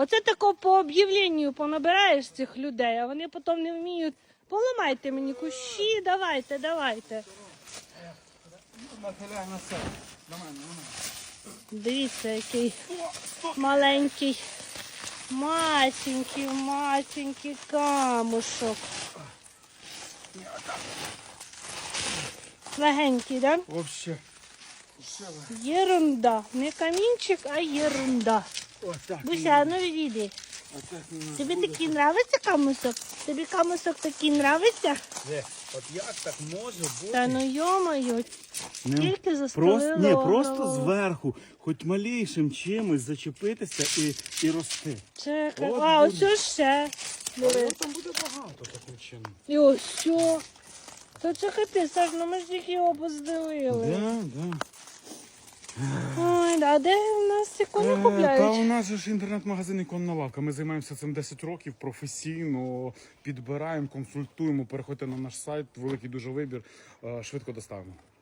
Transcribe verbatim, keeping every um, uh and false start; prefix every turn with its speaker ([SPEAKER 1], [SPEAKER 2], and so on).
[SPEAKER 1] Оце тако по об'явленню понабираєш цих людей, а вони потім не вміють. Поламайте мені кущі, давайте, давайте.
[SPEAKER 2] Нахиляй на себе. На мене, на мене.
[SPEAKER 1] Дивіться, який маленький, масенький, масенький камушок. Легенький, да?
[SPEAKER 2] Вообще.
[SPEAKER 1] Єрунда. Не камінчик, а єрунда.
[SPEAKER 2] Отак.
[SPEAKER 1] Буся, ну відійди. Тобі такий нравиться камусок? Тобі камусок такий нравиться?
[SPEAKER 2] Де? От як так може бути?
[SPEAKER 1] Та ну йо-моє, тільки
[SPEAKER 2] Просто,
[SPEAKER 1] застелили
[SPEAKER 2] ні, просто
[SPEAKER 1] голову.
[SPEAKER 2] зверху, хоч малейшим чимось зачепитися і, і рости.
[SPEAKER 1] Чекай,
[SPEAKER 2] От
[SPEAKER 1] а
[SPEAKER 2] буде.
[SPEAKER 1] ось ще.
[SPEAKER 2] Але
[SPEAKER 1] Диви.
[SPEAKER 2] там буде багато таким чином.
[SPEAKER 1] І ось все. Та це капець, Саш, ну ми ж тільки його поздивили.
[SPEAKER 2] Да, да.
[SPEAKER 1] Ой, да, де в нас ці коні
[SPEAKER 2] Е, Та у
[SPEAKER 1] купляють?
[SPEAKER 2] нас же ж інтернет-магазин «Іконна лавка». Ми займаємося цим десять років професійно, підбираємо, консультуємо. Переходьте на наш сайт, великий дуже вибір, е, швидко доставимо.